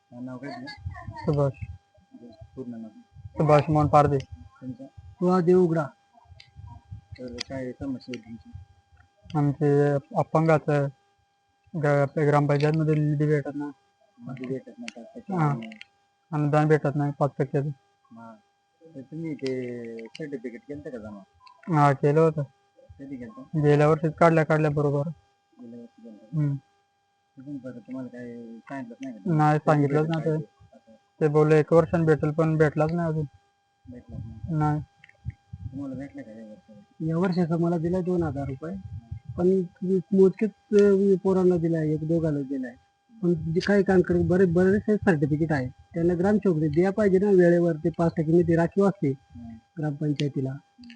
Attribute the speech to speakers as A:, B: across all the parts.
A: नाव काय तुझं?
B: सुभाष
A: पूर्ण नाव
B: सुभाष मोहन पारदे.
A: तुमचं?
B: तुला देवगडा.
A: तर काय समस्या आहे तुमची?
B: आमचे अपंगाचं ग्रामपंचायतमध्ये निधी भेटत नाही.
A: निधी भेटत नाही का?
B: हां. अनुदान भेटत नाही 5%.
A: हां. तर तुम्ही ते सर्टिफिकेट केलं का जमा?
B: हा केलं होतं.
A: कधी केलं?
B: गेल्या वर्षीच काढल्या बरोबर.
A: गेल्या वर्षी केलं. तिथून परत तुम्हाला काय सांगितलंच नाही का?
B: नाही सांगितलंच
A: भेटेल
B: नाही ते.
A: काय असं
B: ते बोलले 1 वर्षाने भेटेल पण भेटलाच नाही अजून.
A: भेटलंच नाही.
B: नाही.
A: तुम्हाला भेटलं का या वर्षी?
B: या वर्षाचा मला दिला 2,000 रुपये. पण मोजकेच पोरांना दिलाय, 1-2 दिलाय. पण जे काही कामकडे बरेचसे सर्टिफिकेट आहे त्यांना ग्रामसेवक द्या पाहिजे ना वेळेवर. ते 5% निधी राखीव असते ग्रामपंचायतीला.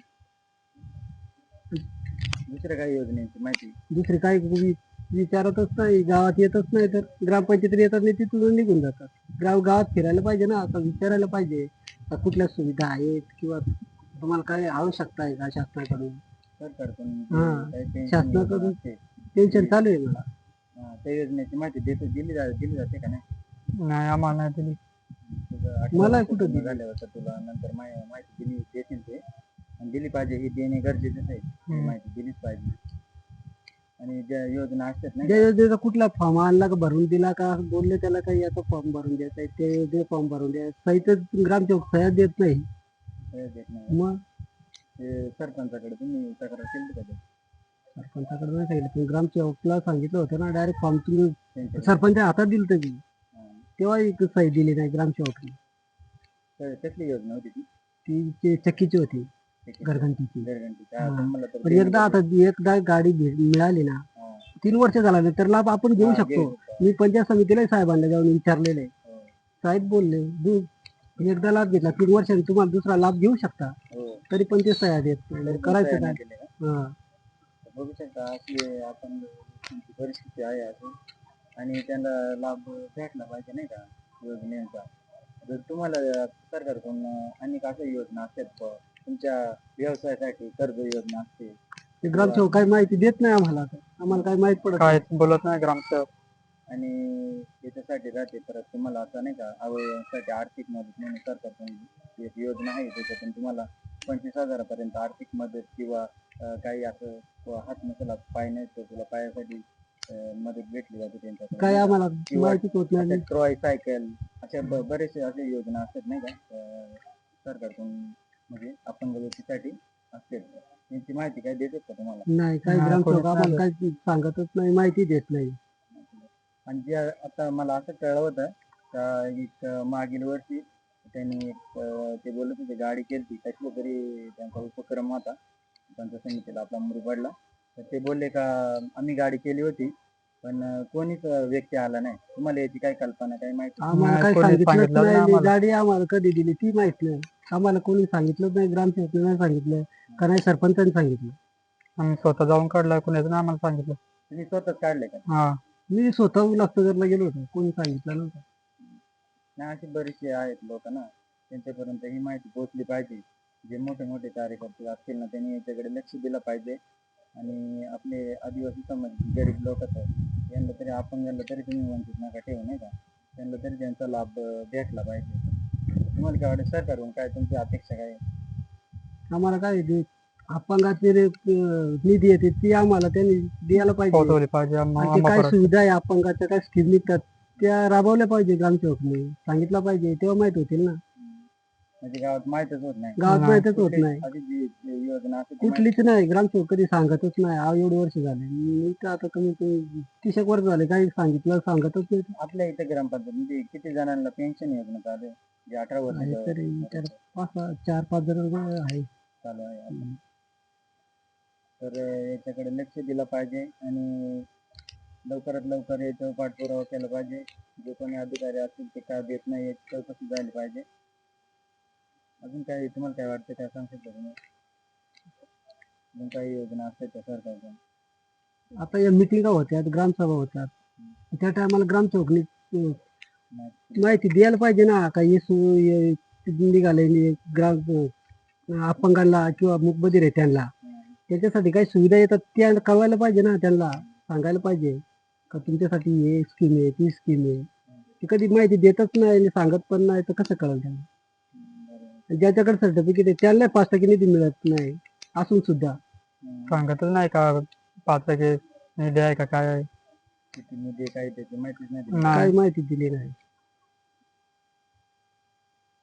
A: दुसऱ्या काही योजनेची माहिती?
B: दुसरे काही विचारतच नाही, गावात येतच नाही. तर ग्रामपंचायतीत येतात नाही तिथून निघून जातात. गावात फिरायला पाहिजे ना, आता विचारायला पाहिजे कुठल्या सुविधा आहेत किंवा तुम्हाला काय आवश्यकता आहे का शासनाकडून.
A: सरकारकडून
B: शासनाकडून पेन्शन चालू आहे मला.
A: त्या योजनेची माहिती दिली जाते का नाही?
B: नाही आम्हाला नाही दिली.
A: मला कुठं झाल्यावर तुला नंतर माहिती देतील ते. आणि दिली पाहिजे, ही देणे गरजेचंच आहे. माहिती दिलीच पाहिजे. आणि ज्या योजना असतात नाही,
B: त्या योजनेचा कुठला फॉर्म आणला का भरून दिला का बोलले त्याला काही याचा फॉर्म भरून द्यायचा आहे ते फॉर्म भरून द्या. सहितच ग्रामसेवक सह्या देत नाही.
A: देत नाही.
B: मग
A: ते सरपंचाकडे तुम्ही तक्रार केली का?
B: सरपंचाकडे नाही सांगितलं पण ग्रामसेवकला सांगितलं होतं ना डायरेक्ट फॉर्म तुम्ही सरपंचा हातात दिलं तरी तेव्हा एक सही दिली नाही ग्रामसेवकने.
A: कसली योजना होती ती?
B: ती चक्कीची होती, घरघंटीची. पण एकदा गाडी मिळाली ना 3 वर्ष झाल्यानंतर लाभ आपण घेऊ शकतो. मी पंचायत समितीला साहेबांना जाऊन विचारलेलं आहे. साहेब बोलले एकदा लाभ घेतला 3 वर्षांनी तुम्हाला दुसरा लाभ घेऊ शकता. तरी पण ते सह्या देत नाही. करायचं काय?
A: बघू शकता अशी आपण परिस्थिती आहे अजून. आणि त्यांना लाभ भेटला पाहिजे नाही का योजनेचा. जर तुम्हाला सरकारकडून अनेक अशा योजना असतात तुमच्या व्यवसायासाठी, कर्ज योजना असते.
B: ग्रामसेवक काही माहिती देत नाही आम्हाला. आम्हाला काही माहित पडत काय बोलत नाही ग्रामसेवक.
A: आणि याच्यासाठी राहते परत तुम्हाला असं नाही का अवयवांसाठी आर्थिक मदत म्हणून सरकारकडून एक योजना आहे. त्याच्यातून तुम्हाला 25,000 पर्यंत आर्थिक मदत किंवा काही असं हात नसला, पाय नाही तर तुला पायासाठी मदत भेटली जाते त्यांच्याकडून.
B: काय आम्हाला माहितीच होत नाही.
A: ट्रॉय सायकल अशा बरेचसे असे योजना असतात नाही का सरकारकडून, म्हणजे अपंग व्यक्तीसाठी असते. त्यांची माहिती काय देतात का तुम्हाला?
B: नाही, काही ग्रामसेवक आम्हाला काही सांगतच नाही, माहिती देत नाही.
A: आणि जे आता मला असं कळलं होतं का एक मागील वर्षी त्यांनी ते बोलत होते गाडी केली कसली तरी त्यांचा उपक्रम होता पंचायत समितीला आपला मुरबाडला. तर ते बोलले का आम्ही गाडी केली होती पण कोणीच व्यक्ती आला नाही. तुम्हाला याची काय कल्पना, काही माहिती?
B: आम्हाला काही सांगितलं नाही. गाडी आम्हाला कधी दिली ती माहित नाही. आम्हाला कोणी सांगितलं नाही. ग्रामसेवकाने नाही सांगितलं का नाही सरपंचाने सांगितलं. आम्ही स्वतः जाऊन काढलाय, कोणाचं नाही आम्हाला सांगितलं.
A: तुम्ही स्वतःच काढले का?
B: हा, मी स्वतः उल्हासनगरला गेलो होतो, कोणी सांगितलं नव्हतं.
A: नाही, अशी बरीचशी आहेत लोक ना, त्यांच्यापर्यंत ही माहिती पोहोचली पाहिजे. जे मोठे मोठे कार्यकर्ते असतील ना त्यांनी याच्याकडे लक्ष दिलं पाहिजे. आणि आपले आदिवासी समाज गरीब लोक आहेत यांना तरी, अपंगांना तरी तुम्ही वंचित नका ठेवू नाही का. त्यांना तरी त्यांचा लाभ भेटला पाहिजे. तुम्हाला काय वाटतं सरकारकडून काय तुमची अपेक्षा काय? आम्हाला काय
B: अपंगाचे निधी येते ती आम्हाला त्यांनी द्यायला पाहिजे. काय सुविधा आहे अपंगाच्या, काय स्कीम निघतात त्या राबवल्या पाहिजे. ग्रामसेवकने सांगितलं पाहिजे तेव्हा माहित होतील ना.
A: म्हणजे गावात माहितच होत नाही.
B: गावात माहितच होत नाही.
A: योजना
B: कुठलीच नाही. ग्रामसेवक कधी सांगतच नाही. एवढे वर्ष झाले मी तर आता कमी 30 वर्ष झाले, काही सांगतच नाही.
A: आपल्या इथे ग्रामपंचायत म्हणजे किती जणांना पेन्शन योजना चालू आहे? जे 18 वर्ष
B: तरी 4-5 जण आहे
A: चालू आहे. तर याच्याकडे लक्ष दिलं पाहिजे आणि लवकरात लवकर याचा पाठपुरावा केला पाहिजे. जे कोणी अधिकारी असतील ते काय देत नाही याची चौकशी झाली पाहिजे. अजून काही तुम्हाला काय वाटतं, काय सांगू शकता तुम्ही? अजून काही योजना असतात त्या सरकारच्या? आता या मिटिंगा होत्या, ग्रामसभा होत्या, त्या टायमाला ग्रामसेवकनी माहिती द्यायला पाहिजे ना. काही निघाले ग्राम अपंगांना किंवा मूकबधीर आहे त्यांना, त्याच्यासाठी काही सुविधा येतात त्या कळवायला पाहिजे ना. त्यांना सांगायला पाहिजे का तुमच्यासाठी हे स्कीम आहे, ती स्कीम आहे.
B: ती कधी माहिती देतच नाही आणि सांगत पण नाही, तर कसं कळेल त्यांना? आणि ज्याच्याकडे सर्टिफिकेट आहे त्याला 5% निधी मिळत नाही असून सुद्धा
C: सांगतच नाही का 5% निधी आहे का काय आहे?
A: किती निधी काय त्याची माहितीच नाही.
B: काही माहिती दिली नाही.